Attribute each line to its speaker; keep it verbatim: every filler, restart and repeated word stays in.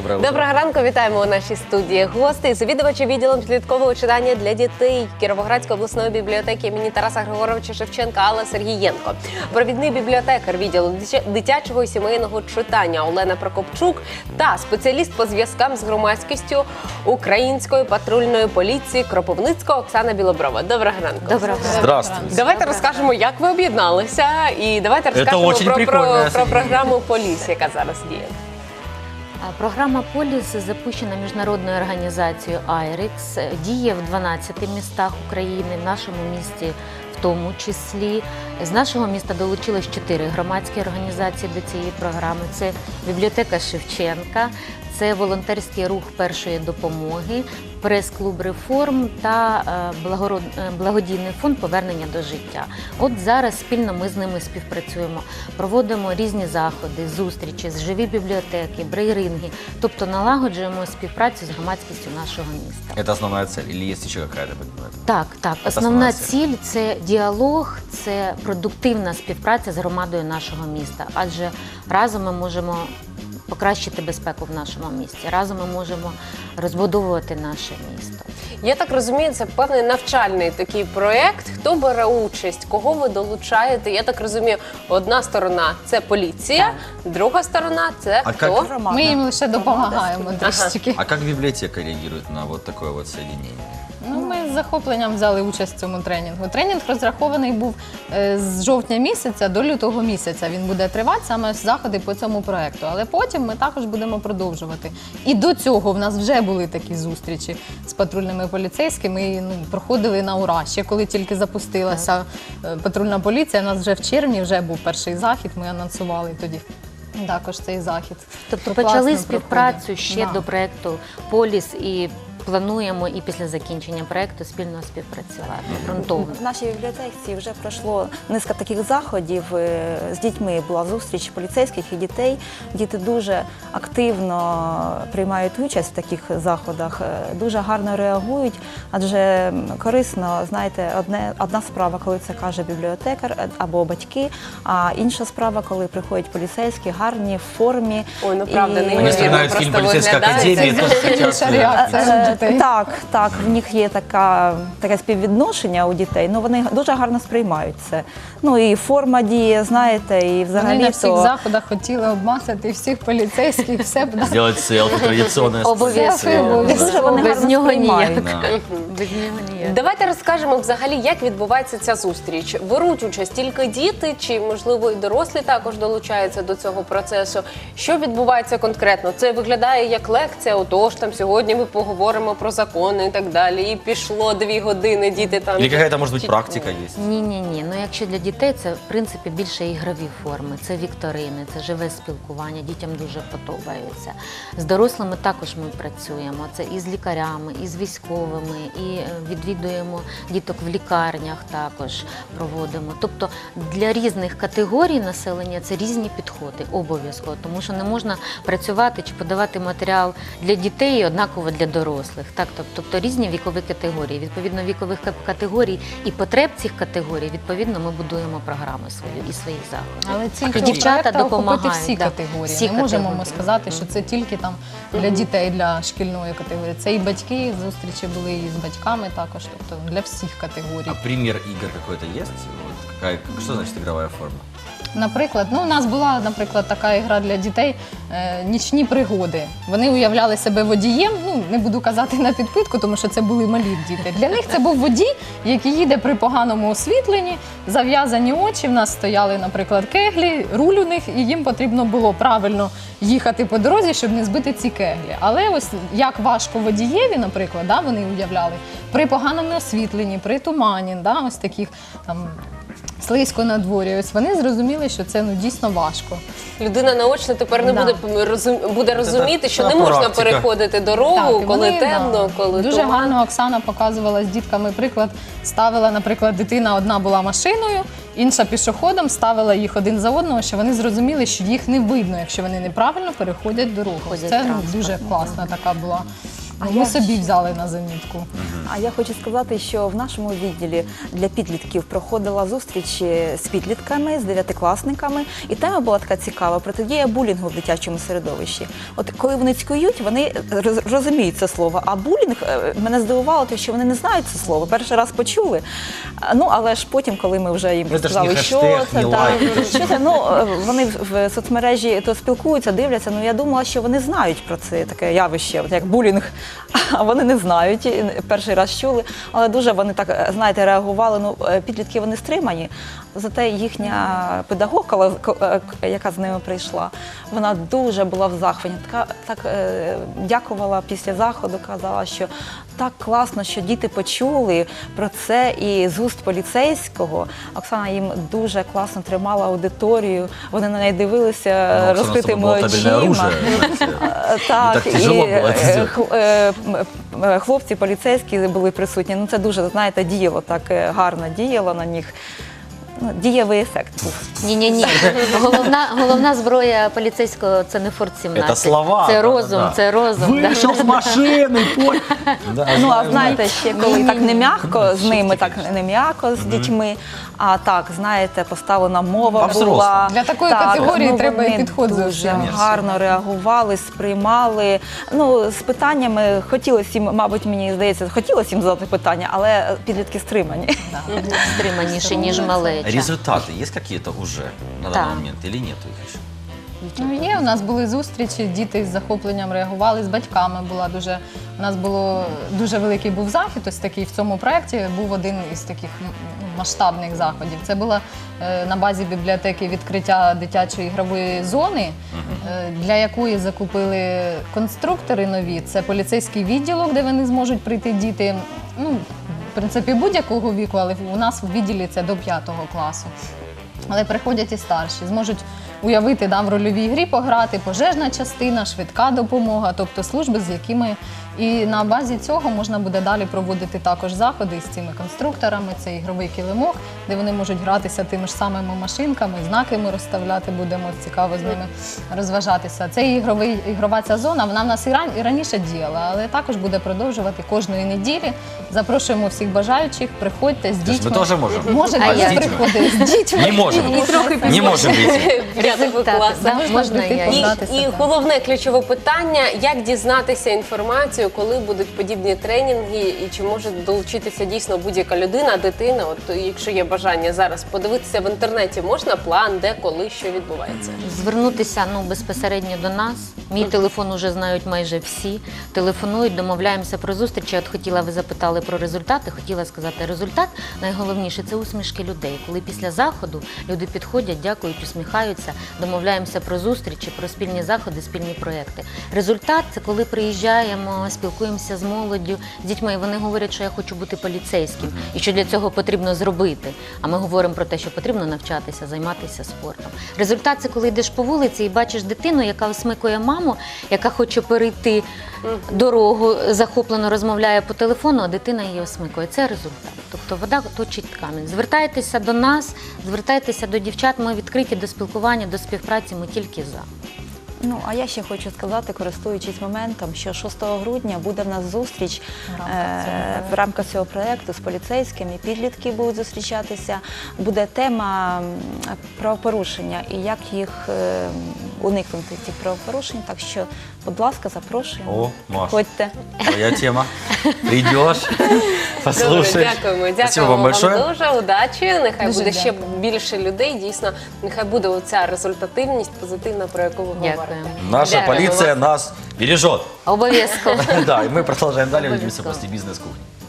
Speaker 1: Доброго утра.
Speaker 2: Доброго ранку, вітаємо у нашій студії гостей, завідувачі відділом підліткового читання для дітей Кіровоградської обласної бібліотеки імені Тараса Григоровича Шевченка Алла Сергієнко, провідний бібліотекар відділу дитячого і сімейного читання Олена Прокопчук та спеціаліст по зв'язкам з громадськістю Української патрульної поліції Кропивницького Оксана Білоброва. Доброго ранку.
Speaker 3: Доброго.
Speaker 1: Здравствуйте.
Speaker 2: Давайте розкажемо, як ви об'єдналися, і давайте розкажемо про, про, про програму «Поліс», яка зараз діє.
Speaker 3: Програма «Поліс» запущена міжнародною організацією айрекс, діє в дванадцяти містах України, в нашому місті в тому числі. З нашого міста долучилось чотири громадські організації до цієї програми. Це бібліотека Шевченка, це волонтерський рух першої допомоги, прес-клуб «Реформ» та благодійний фонд «Повернення до життя». От зараз спільно ми з ними співпрацюємо, проводимо різні заходи, зустрічі, живі бібліотеки, брейринги, тобто налагоджуємо співпрацю з громадськістю нашого міста.
Speaker 1: Это основная цель или есть еще какая-то?
Speaker 3: Так, так.
Speaker 1: Це
Speaker 3: Основна
Speaker 1: основна
Speaker 3: ціль – це діалог, це продуктивна співпраця з громадою нашого міста, адже разом ми можемо покращити безпеку в нашому місті. Разом ми можемо розбудовувати наше місто.
Speaker 2: Я так розумію, це певний навчальний такий проєкт. Хто бере участь, кого ви долучаєте? Я так розумію, одна сторона – це поліція, друга сторона – це
Speaker 1: А
Speaker 2: хто?
Speaker 1: як-
Speaker 4: Ми їм лише допомагаємо трішечки.
Speaker 1: А как библиотека реагирует на вот такое вот соединение?
Speaker 4: Ну, ми з захопленням взяли участь в цьому тренінгу. Тренінг розрахований був е, з жовтня місяця до лютого місяця. Він буде тривати саме заходи по цьому проєкту. Але потім ми також будемо продовжувати. І до цього в нас вже були такі зустрічі з патрульними поліцейськими. І, ну, проходили на ура. Ще коли тільки запустилася е, патрульна поліція, у нас вже в червні вже був перший захід. Ми анонсували тоді також цей захід.
Speaker 3: Тобто
Speaker 4: То
Speaker 3: почали
Speaker 4: класно
Speaker 3: співпрацю
Speaker 4: проходить.
Speaker 3: ще
Speaker 4: Да.
Speaker 3: до проєкту «Поліс» і плануємо і після закінчення проєкту спільно співпрацювати ґрунтовно.
Speaker 5: В нашій бібліотеці вже пройшло низка таких заходів. З дітьми була зустріч поліцейських і дітей. Діти дуже активно приймають участь в таких заходах, дуже гарно реагують, адже корисно, знаєте, одне, одна справа, коли це каже бібліотекар або батьки, а інша справа, коли приходять поліцейські, гарні, в формі.
Speaker 2: Ой, ну правда,
Speaker 5: І-
Speaker 2: неймовірно.
Speaker 1: Вони вспоминають фільм
Speaker 2: просто
Speaker 1: «Поліцейська
Speaker 2: виглядає.
Speaker 1: академія».
Speaker 4: Це зовсім інша реакція у дітей.
Speaker 5: Так, так, в них є така, таке співвідношення у дітей, ну вони дуже гарно сприймають це. Ну і форма діє, знаєте, і взагалі
Speaker 4: Вони на всіх
Speaker 5: то...
Speaker 4: заходах хотіли обмацати всіх поліцейських, все б
Speaker 1: Сделать селфи традиционное.
Speaker 3: Обов'язково.
Speaker 5: Дуже вони
Speaker 3: Без
Speaker 5: гарно
Speaker 3: нього
Speaker 5: сприймають.
Speaker 3: ніяк.
Speaker 1: Да.
Speaker 3: Без нього ніяк.
Speaker 2: Давайте розкажемо взагалі, як відбувається ця зустріч. Беруть участь тільки діти, чи, можливо, і дорослі також долучаються до цього процесу. Що відбувається конкретно? Це виглядає як лекція, отож, там сьогодні ми поговоримо про закони і так далі. І пішло дві години, діти там...
Speaker 1: Или какая-то, может быть,
Speaker 2: Чи-
Speaker 1: практика есть?
Speaker 3: Ні-ні-ні. Ну, якщо для дітей, це, в принципі, більше ігрові форми. Це вікторини, це живе спілкування. Дітям дуже подобається. З дорослими також ми працюємо. Це і з лікарями, і з військовими, і е, відвідуємо діток в лікарнях також проводимо. Тобто для різних категорій населення це різні підходи, обов'язково. Тому що не можна працювати чи подавати матеріал для дітей і однаково для дорослих. Так, тобто різні вікові категорії. Відповідно вікових категорій і потреб цих категорій, відповідно, ми будуємо програму свою і свої заходи.
Speaker 4: Але ціль
Speaker 3: І
Speaker 4: цього
Speaker 3: дівчата
Speaker 4: проекту охопити
Speaker 3: допомагають,
Speaker 4: всі
Speaker 3: да,
Speaker 4: категорії.
Speaker 3: всі
Speaker 4: Не можемо ми
Speaker 3: категорії.
Speaker 4: сказати, що це тільки там для дітей, для шкільної категорії. Це і батьки, зустрічі були і з батьками також, тобто для всіх категорій.
Speaker 1: А пример игр какой-то есть? Вот какая, что значит игровая форма?
Speaker 4: Наприклад, ну у нас була, наприклад, така ігра для дітей е, «Нічні пригоди». Вони уявляли себе водієм, ну не буду казати на підпитку, тому що це були малі діти. Для них це був водій, який їде при поганому освітленні, зав'язані очі. В нас стояли, наприклад, кеглі, руль у них, і їм потрібно було правильно їхати по дорозі, щоб не збити ці кеглі. Але ось як важко водієві, наприклад, да, вони уявляли, при поганому освітленні, при тумані, да, ось таких там слизько на дворі. Ось вони зрозуміли, що це ну дійсно важко.
Speaker 2: Людина наочно тепер не
Speaker 4: Да.
Speaker 2: буде, розум, буде розуміти, що
Speaker 1: це
Speaker 2: не можна
Speaker 1: практика.
Speaker 2: переходити дорогу,
Speaker 4: Так, і
Speaker 2: коли
Speaker 4: вони,
Speaker 2: темно,
Speaker 4: да,
Speaker 2: коли
Speaker 4: дуже
Speaker 2: туман.
Speaker 4: гарно Оксана показувала з дітками приклад. Ставила, наприклад, дитина одна була машиною, інша пішоходом, ставила їх один за одного, що вони зрозуміли, що їх не видно, якщо вони неправильно переходять дорогу.
Speaker 3: Ходять
Speaker 4: Це ну,
Speaker 3: транспортно,
Speaker 4: дуже класна така була
Speaker 5: А
Speaker 4: Ми
Speaker 5: я
Speaker 4: собі взяли на замітку.
Speaker 5: А я хочу сказати, що в нашому відділі для підлітків проходила зустріч з підлітками, з дев'ятикласниками, і тема була така цікава – протидія булінгу в дитячому середовищі. От коли вони цькують, вони роз- розуміють це слово, а булінг е, мене здивувало, те, що вони не знають це слово, перший раз почули. А, Ну, але ж потім, коли ми вже їм
Speaker 1: Ну, це ж
Speaker 5: сказали,
Speaker 1: не
Speaker 5: що
Speaker 1: хештег,
Speaker 5: це,
Speaker 1: не
Speaker 5: так,
Speaker 1: лайк, це ж-
Speaker 5: що це, ну, е, вони в в соцмережі то спілкуються, дивляться, ну я думала, що вони знають про це таке явище, от як булінг, а вони не знають, і перший раз чули, але дуже вони так, знаєте, реагували, ну, е, підлітки вони стримані, зате їхня педагогка, ко- е, яка з ними прийшла, вона дуже була в захваті, така, так е, дякувала після заходу, казала, що так класно, що діти почули про це і з уст поліцейського. Оксана їм дуже класно тримала аудиторію, вони на неї дивилися
Speaker 1: Ну, Оксана,
Speaker 5: розкритими
Speaker 1: это было табельное
Speaker 5: очима.
Speaker 1: оружие, знаете.
Speaker 5: Е, Так,
Speaker 1: так тяжело
Speaker 5: і
Speaker 1: було це
Speaker 5: е,
Speaker 1: зробити.
Speaker 5: хл- е, м, е, хлопці поліцейські були присутні. Ну це дуже, знаєте, діяло так е, гарно діяло на них. Ну, дієвий ефект був.
Speaker 3: Ні-ні-ні. Головна, головна зброя поліцейського – це не Форт сімнадцять.
Speaker 1: Це слова,
Speaker 3: Це
Speaker 1: да,
Speaker 3: розум,
Speaker 1: да.
Speaker 3: це розум. да.
Speaker 1: Вийшов з машини, пой... Да,
Speaker 5: Ну, а
Speaker 1: знаю,
Speaker 5: знаєте, ще коли так не м'яко з ними, так
Speaker 1: конечно.
Speaker 5: не м'яко з дітьми, а так, знаєте, поставлена мова
Speaker 1: По-взрослому.
Speaker 5: була.
Speaker 4: Для такої
Speaker 5: Так,
Speaker 4: категорії
Speaker 5: ну,
Speaker 4: треба і
Speaker 5: вони
Speaker 4: підход
Speaker 5: дуже
Speaker 4: зовсім.
Speaker 5: гарно реагували, сприймали. Ну, з питаннями хотілося їм, мабуть, мені здається, хотілося їм задати питання, але підлітки стримані.
Speaker 3: Стриманіше, ніж малеча.
Speaker 1: Результаты есть какие-то уже на
Speaker 3: Да.
Speaker 1: данный момент или нету их еще?
Speaker 4: Ну, є, у нас були зустрічі, діти з захопленням реагували, з батьками була дуже. У нас було дуже великий був захід, ось такий в цьому проєкті був один із таких м, масштабних заходів. Це було е, на базі бібліотеки відкриття дитячої ігрової зони, е, для якої закупили конструктори нові. Це поліцейський відділок, де вони зможуть прийти діти. Ну, в принципі, будь-якого віку, але у нас в відділі це до п'ятого класу. Але приходять і старші, зможуть уявити, да, в рольовій грі пограти, пожежна частина, швидка допомога, тобто служби, з якими і на базі цього можна буде далі проводити також заходи з цими конструкторами, це ігровий килимок, де вони можуть гратися тими ж самими машинками, знаки ми розставляти будемо, цікаво з ними розважатися. Це ігровий, ігрова ця зона, вона в нас і, ран, і раніше діяла, але також буде продовжувати кожної неділі. Запрошуємо всіх бажаючих, приходьте з
Speaker 1: То есть
Speaker 4: дітьми.
Speaker 1: мы тоже можем?
Speaker 4: Можете
Speaker 3: А
Speaker 4: ви
Speaker 3: я?
Speaker 4: приходити з дітьми.
Speaker 1: Не можем. Не можем выйти.
Speaker 2: П'ятого
Speaker 3: Так,
Speaker 2: класу.
Speaker 3: да,
Speaker 4: Можна
Speaker 3: можна
Speaker 4: прийти
Speaker 3: я.
Speaker 2: І,
Speaker 4: Гратися,
Speaker 2: і
Speaker 4: так.
Speaker 2: головне ключове питання: як дізнатися інформацію, коли будуть подібні тренінги, і чи може долучитися дійсно будь-яка людина, дитина. От якщо є бажання зараз подивитися в інтернеті, можна план, де, коли, що відбувається.
Speaker 3: Звернутися ну, безпосередньо до нас. Мій телефон уже знають майже всі. Телефонують, домовляємося про зустрічі. От хотіла, ви запитали про результати. Хотіла сказати, результат найголовніше – це усмішки людей. Коли після заходу люди підходять, дякують, усміхаються, домовляємося про зустрічі, про спільні заходи, спільні проекти. Результат – це коли приїжджаємо, спілкуємося з молоддю, з дітьми, і вони говорять, що я хочу бути поліцейським, і що для цього потрібно зробити. А ми говоримо про те, що потрібно навчатися, займатися спортом. Результат – це коли йдеш по вулиці і бачиш дитину, яка осмикує маму, яка хоче перейти дорогу, захоплено розмовляє по телефону, а дитина її осмикує. Це результат. Тобто вода точить камінь. Звертайтеся до нас, звертайтеся до дівчат, ми відкриті до спілкування, до співпраці, ми тільки за.
Speaker 5: Ну, а я ще хочу сказати, користуючись моментом, що шостого грудня буде в нас зустріч е, в рамках цього проєкту з поліцейськими, підлітки будуть зустрічатися. Буде тема м, правопорушення і як їх е, уникнути цих правопорушень. Так що, будь ласка, запрошуємо.
Speaker 1: О, Маш.
Speaker 5: Ходьте.
Speaker 1: Твоя тема. Придешь,
Speaker 2: Добре,
Speaker 1: послушаешь.
Speaker 2: дякуємо.
Speaker 1: Спасибо
Speaker 2: Дякуємо
Speaker 1: вам
Speaker 2: вам
Speaker 1: большое.
Speaker 2: дуже. Удачі. Нехай
Speaker 4: Дуже
Speaker 2: буде ще
Speaker 4: дякую.
Speaker 2: більше людей. Дійсно, нехай буде оця результативність позитивна, про яку ви
Speaker 3: Дякую.
Speaker 2: говорите.
Speaker 1: Наша
Speaker 2: Дякуємо
Speaker 1: полиция
Speaker 2: вам.
Speaker 1: нас бережет.
Speaker 3: Обов'язково.
Speaker 1: Да, и мы продолжаем далее. Увидимся
Speaker 3: Обовязково.
Speaker 1: после бизнес-кухни.